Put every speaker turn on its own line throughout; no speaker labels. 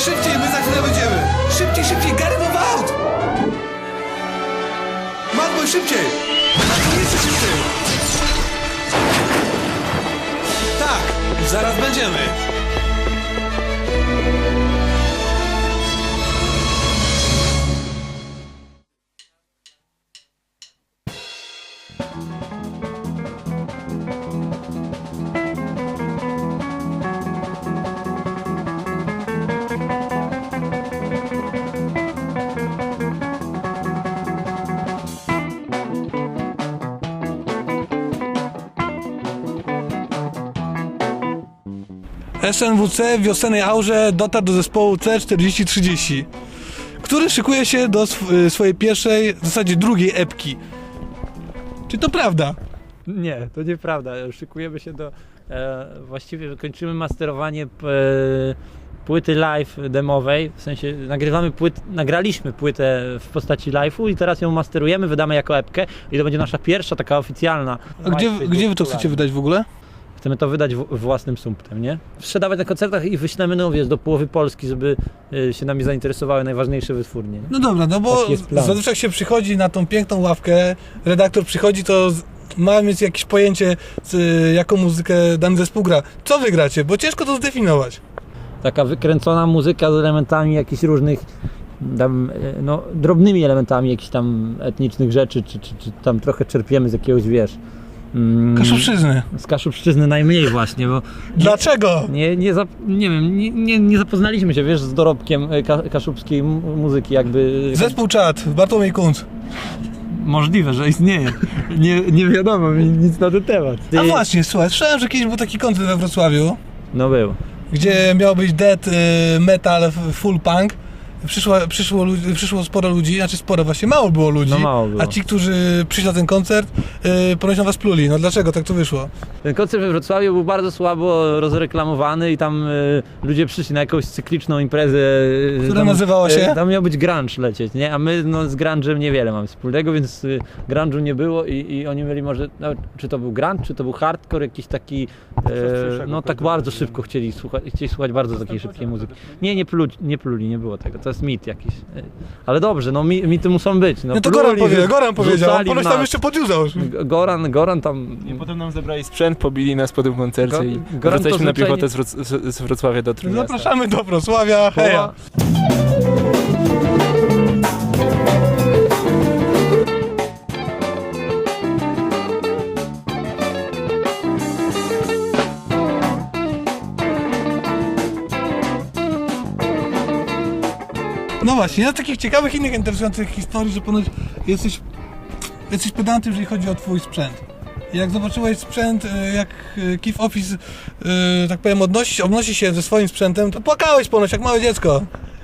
szybciej, my za chwilę będziemy! Szybciej, Gary, move out! Madboy, szybciej! Madboy, jeszcze szybciej! Tak, zaraz będziemy! SNWC w wiosennej aurze dotarł do zespołu C4030, który szykuje się do swojej pierwszej, w zasadzie drugiej epki. Czy to prawda?
Nie, to nieprawda. Szykujemy się do... właściwie kończymy masterowanie płyty live demowej, w sensie nagraliśmy płytę w postaci live'u i teraz ją masterujemy, wydamy jako epkę i to będzie nasza pierwsza taka oficjalna.
A gdzie wy to chcecie wydać w ogóle?
Chcemy to wydać własnym sumptem, nie? Sprzedawać na koncertach i wyślemy, no wiesz, do połowy Polski, żeby się nami zainteresowały najważniejsze wytwórnie.
No dobra, no bo zazwyczaj jak się przychodzi na tą piękną ławkę, redaktor przychodzi, to ma mieć jakieś pojęcie, jaką muzykę dany zespół gra. Co wy gracie? Bo ciężko to zdefiniować.
Taka wykręcona muzyka z elementami jakichś różnych, tam, no, drobnymi elementami jakichś tam etnicznych rzeczy, czy tam trochę czerpiemy z jakiegoś, wiesz...
Kaszubszczyzny.
Z Kaszubszczyzny najmniej właśnie, bo...
Dlaczego?
Nie zapoznaliśmy się, wiesz, z dorobkiem kaszubskiej muzyki, jakby...
Zespół Czad, Bartłomiej Kunc.
Możliwe, że istnieje. Nie wiadomo mi nic na ten temat.
A właśnie, słuchaj, słyszałem, że kiedyś był taki koncert we Wrocławiu,
No był.
gdzie miał być death metal, full punk. Przyszło sporo ludzi, znaczy sporo, właśnie mało było ludzi,
No mało było.
A ci, którzy przyszli na ten koncert, ponoć na was pluli. No dlaczego tak to wyszło?
Ten koncert we Wrocławiu był bardzo słabo rozreklamowany i tam ludzie przyszli na jakąś cykliczną imprezę.
Która nazywała się?
Tam miał być grunge lecieć, nie? A my no, z grunge'em niewiele mamy wspólnego, więc grunge'u nie było i oni mieli może, no, czy to był grunge, czy to był hardcore, jakiś taki, no tak bardzo szybko chcieli słuchać bardzo takiej szybkiej muzyki. Nie pluli, nie było tego. To jest mit jakiś. Ale dobrze, no mity muszą być. No
to Goran powiedział, on ponoć tam jeszcze podjuzał.
Goran tam...
I potem nam zabrali sprzęt, pobili nas po tym koncercie i
Goran
wracaliśmy na
zwyczajnie...
piechotę z Wrocławia do Trójmiasta.
Zapraszamy do Wrocławia, heja! No właśnie, na takich ciekawych, innych interesujących historii, że ponoć jesteś pedantem, jeżeli chodzi o twój sprzęt. Jak zobaczyłeś sprzęt, jak Kif Office, tak powiem, obnosi się ze swoim sprzętem, to płakałeś ponoć jak małe dziecko.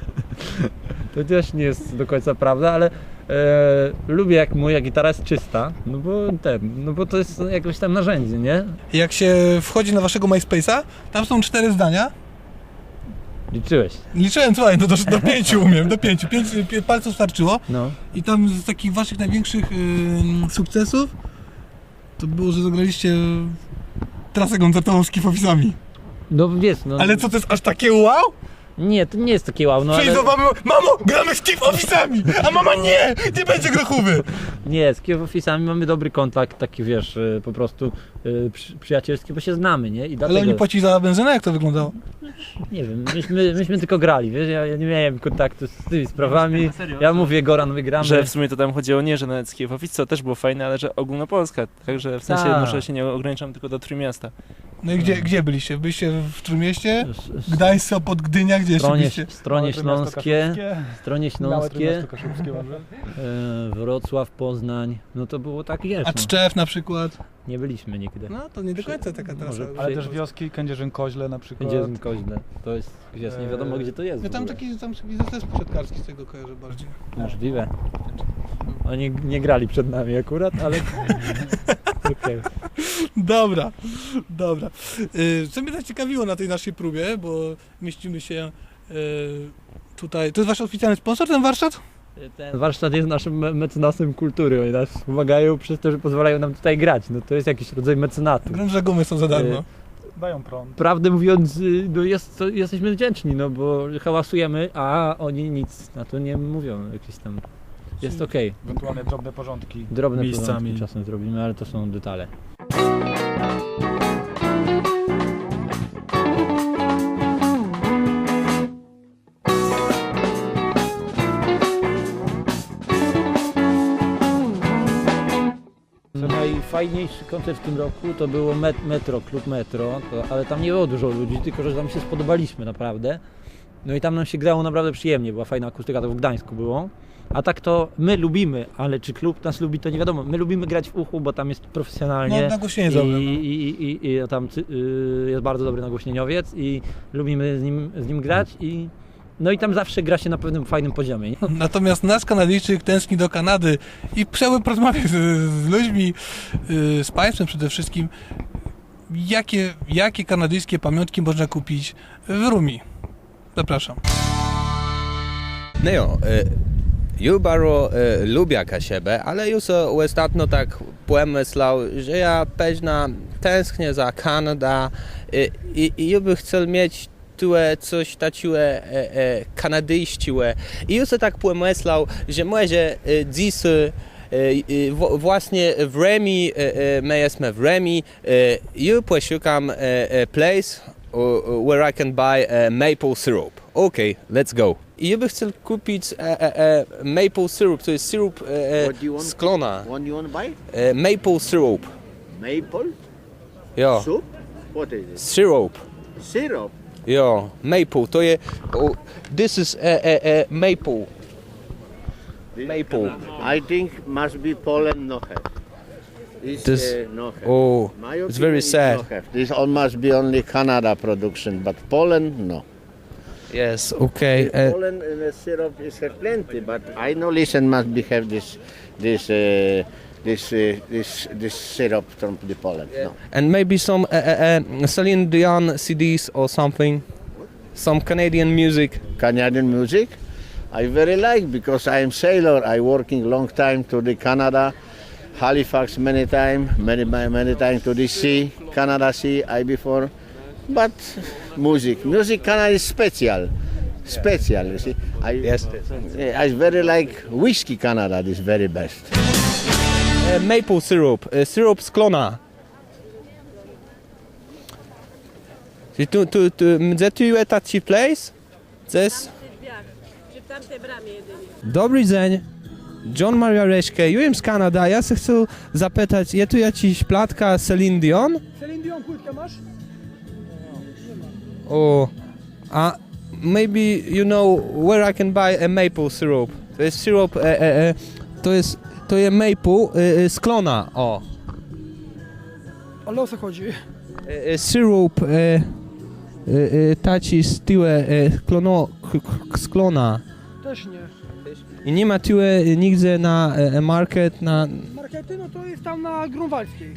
To też nie jest do końca prawda, ale lubię jak moja gitara jest czysta, no bo to jest jakieś tam narzędzie, nie?
Jak się wchodzi na waszego MySpace'a, tam są 4 zdania.
Liczyłeś.
Liczyłem, słuchaj, no do 5 umiem, do 5 palców starczyło.
No.
I tam z takich waszych największych sukcesów to było, że zagraliście trasę koncertową z Kif Office'ami.
No wiesz, no...
Ale co, to jest aż takie wow?
Nie, to nie jest takie wow, no
Przyjdź
ale...
do mamy, mamo, gramy z Kif Office'ami! A mama nie będzie grochówy!
Nie, z Kif Office'ami mamy dobry kontakt, taki wiesz, po prostu przyjacielski, bo się znamy, nie? I dlatego...
Ale oni płacili za benzynę, jak to wyglądało?
Nie wiem, myśmy tylko grali, wiesz, ja nie miałem kontaktu z tymi sprawami. Ja mówię, Goran, my gramy.
Że w sumie to tam chodziło nie, że nawet z Kif Office, co też było fajne, ale że ogólnopolska, także w sensie może się nie ograniczam tylko do Trójmiasta.
No i gdzie byliście? Byliście w Trójmieście? Gdańsk, Sopot, Gdynia, gdzie jeszcze byliście?
Stronie Śląskie, Wrocław, Poznań, no to było tak, wiesz,
A Tczew na przykład?
nie byliśmy nigdy.
No to nie do końca taka trasa.
Może
Ale też wioski, Kędzierzyn-Koźle na przykład.
Kędzierzyn-Koźle, to jest, wiesz, nie wiadomo gdzie to jest.
Ja tam taki zespół siatkarski z tego kojarzę bardziej.
Możliwe. Oni nie grali przed nami akurat, ale... Okay.
Dobra. Co mnie zaciekawiło na tej naszej próbie, bo mieścimy się tutaj. To jest wasz oficjalny sponsor, ten warsztat?
Ten warsztat jest naszym mecenasem kultury. Oni nas pomagają przez to, że pozwalają nam tutaj grać. No to jest jakiś rodzaj mecenatu.
Grąże gumy są za darmo.
Dają prąd.
prawdę mówiąc, no jesteśmy wdzięczni, no bo hałasujemy, a oni nic na to nie mówią, jakieś tam, jest okej.
Ewentualnie drobne porządki
Drobne
miejscami.
porządki czasem zrobimy, ale to są detale. Najfajniejszy koncert w tym roku to było Metro, klub Metro, ale tam nie było dużo ludzi, tylko że tam się spodobaliśmy naprawdę. No i tam nam się grało naprawdę przyjemnie, była fajna akustyka, to w Gdańsku było. A tak to my lubimy, ale czy klub nas lubi, to nie wiadomo. My lubimy grać w uchu, bo tam jest profesjonalnie.
No, nagłośnienie dobre.
I tam jest bardzo dobry nagłośnieniowiec i lubimy z nim grać no i tam zawsze gra się na pewnym fajnym poziomie. Nie?
Natomiast nasz Kanadyjczyk tęskni do Kanady i chciałbym porozmawiać z ludźmi, z Państwem przede wszystkim, jakie kanadyjskie pamiątki można kupić w Rumi. Zapraszam.
No jo, ja bardzo lubię siebie, ale już ostatnio tak pomyślał, że ja pewnie tęsknię za Kanadą i ja bym chciał mieć coś takiego kanadyjskiego. I już tak pomyślał, że może dziś właśnie w Remi, my jesteśmy w Remi, ja poszukam place where I can buy maple syrup. Okay, let's go. I ja bym chciał kupić maple syrup, to jest syrup z klona.
What you want to buy?
Maple syrup.
Maple
Jo,
soup? What is it?
syrup.
Syrup.
Jo, maple, to jest, this is maple. Maple.
I think must be Poland no have.
This-
no have.
Oh,
My
it's
opinion
very
is
sad.
No have. This all must be only Canada production, but Poland no.
Yes, okay.
Poland syrup is have plenty, but I know listen must be have this syrup from the Poland. No.
And maybe some Celine Dion CDs or something. Some Canadian music.
Canadian music, I very like because I am sailor. I working long time to the Canada, Halifax many time to the sea, Canada Sea. I before, but music Canada is special. You see,
Yes.
I very like whiskey Canada. This very best.
Maple syrup. Syrup z klona. Gdzie tu jest taki place? This?
Czy w tamtej bramie jedynie.
Dobry dzień. John Maria Reszke, ja z Kanada. Ja się chcę zapytać, jest tu jakaś platka Celine Dion?
Celine Dion płytkę masz?
O, a maybe you know where I can buy a maple syrup. To jest syrup, to jest maple z klona, o.
Ale o co chodzi?
Syrup taci z tyłe z klona.
Też nie.
I nie ma tyłe nigdzie na market, na...
Markety, no to jest tam na Grunwaldzkiej.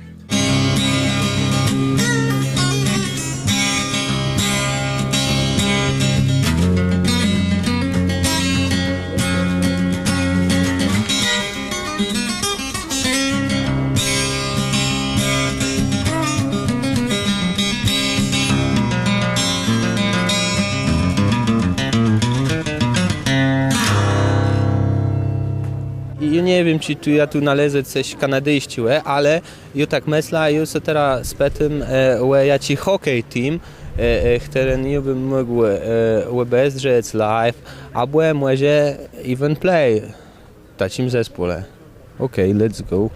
Ja nie wiem, czy ja tu należę coś kanadyjskiego, ale ja tak myślę, ja się teraz spytam, jaki hokej team, który nie bym mógł obejrzeć live, albo może even play w takim zespole. Okay, let's go.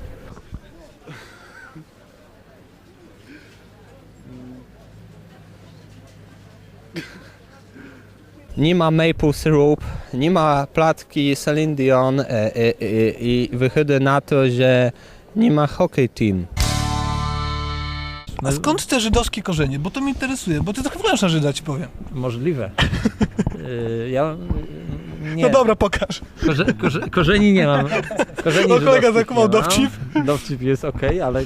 Nie ma maple syrup, nie ma platki Celine Dion i wychodzi na to, że nie ma hockey team.
A skąd te żydowskie korzenie? Bo to mnie interesuje, bo ty trochę wyglądasz na Żyda, ci powiem.
Możliwe. Ja nie.
No dobra, pokaż.
Korzeni nie mam. Korzeni
No kolega
żydowskich
zakumał
nie mam.
dowcip.
Dowcip jest okej, ale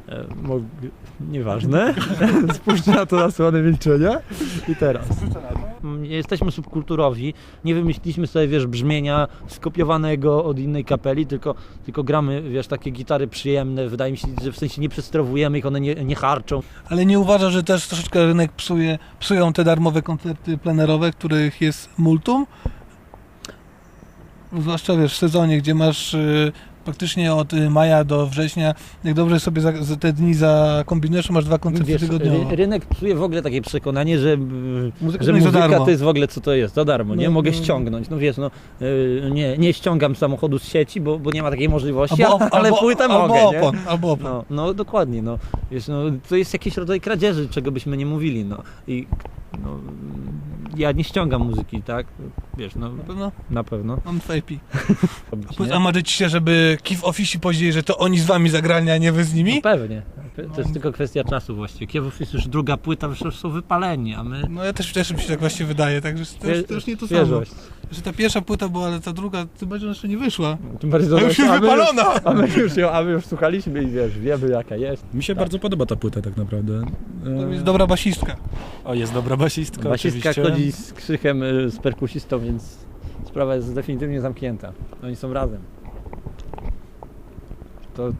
nieważne. Spójrzcie na to na słone milczenia. I teraz. nie jesteśmy subkulturowi, nie wymyśliliśmy sobie, wiesz, brzmienia skopiowanego od innej kapeli, tylko gramy, wiesz, takie gitary przyjemne, wydaje mi się, że w sensie nie przesterowujemy ich, one nie harczą.
Ale nie uważa, że też troszeczkę rynek psują te darmowe koncerty plenerowe, których jest multum? Zwłaszcza wiesz, w sezonie, gdzie masz praktycznie od maja do września, jak dobrze sobie za te dni zakombinujesz, masz 2 koncerty
Wiesz,
tygodniowo.
rynek psuje w ogóle takie przekonanie, że
Muzyka
że
to jest za
muzyka
darmo.
to jest w ogóle co to jest, za darmo, nie?
No,
Mogę
no.
ściągnąć, no wiesz, no nie ściągam samochodu z sieci, bo nie ma takiej możliwości, ale płytę mogę, nie?
Albo opon.
No dokładnie, no wiesz, no to jest jakiś rodzaj kradzieży, czego byśmy nie mówili, no i no, ja nie ściągam muzyki, tak? Wiesz, no
Na pewno?
na pewno.
Mam 2 IP.
robić,
A
nie?
marzycie się, żeby Kiev Office powiedzieli, że to oni z wami zagrali, a nie wy z nimi?
No pewnie, to jest tylko kwestia czasu właściwie. Kiewów jest już druga płyta, już są wypaleni, a my...
No ja też mi się tak właśnie wydaje, także to już nie to samo.
Świeżość.
Że ta pierwsza płyta była, ale ta druga, tym bardziej ona jeszcze nie wyszła.
Tym bardziej
A już jest wypalona!
A my już słuchaliśmy i wiesz, wiemy jaka jest.
Mi się bardzo podoba ta płyta tak naprawdę.
To jest dobra basistka.
O, jest dobra basistka
Basistka
oczywiście.
chodzi z Krzychem, z perkusistą, więc sprawa jest definitywnie zamknięta. Oni są razem. To...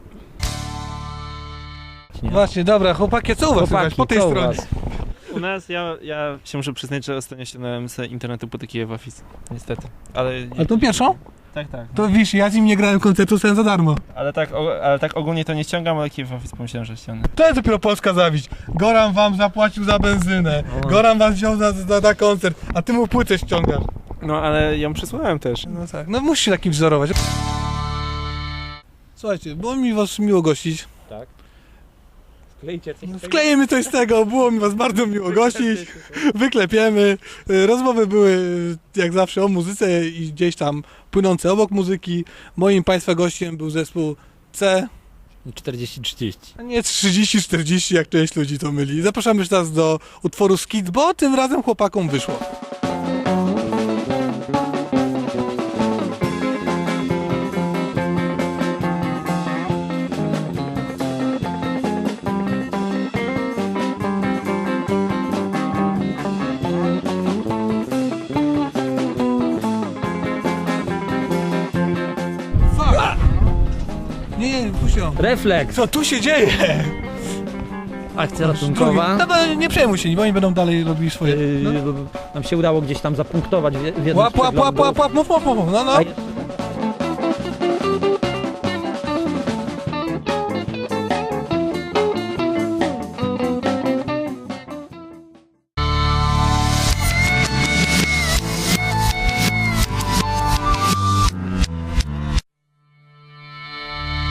Nie.
Właśnie, dobra, chłopaki, co u was słychać po tej
co u
stronie?
was?
U nas, ja się muszę przyznać, że ostatnio ściągnąłem z internetu płyty Kiev Office, niestety. Ale
A tą pierwszą?
tak.
To wiesz, ja z nim nie grałem koncertu sen za darmo.
Ale tak ogólnie to nie ściągam, ale Kiev Office pomyślałem, że ściągnę.
To jest dopiero polska zawiść. Goran wam zapłacił za benzynę. Goran was wziął na koncert, a ty mu płytę ściągasz.
No ale ją przysłałem też.
No tak, no musisz się takim wzorować. Słuchajcie, było mi was miło gościć.
Tak. Sklejcie coś.
Wklejemy coś z tego, było mi was bardzo miło gościć. Wyklepiemy. Rozmowy były jak zawsze o muzyce i gdzieś tam płynące obok muzyki. Moim państwa gościem był zespół C,
40-30.
a nie 30-40, jak część ludzi to myli. Zapraszamy już teraz do utworu Skid, bo tym razem chłopakom wyszło. Fuck! Nie, puść ją.
Refleks!
Co tu się dzieje?
Akcja ratunkowa.
No, nie przejmuj się, bo oni będą dalej robili swoje. No.
Nam się udało gdzieś tam zapunktować w jednym
Łap,
z przeglądów.
mów, no.
A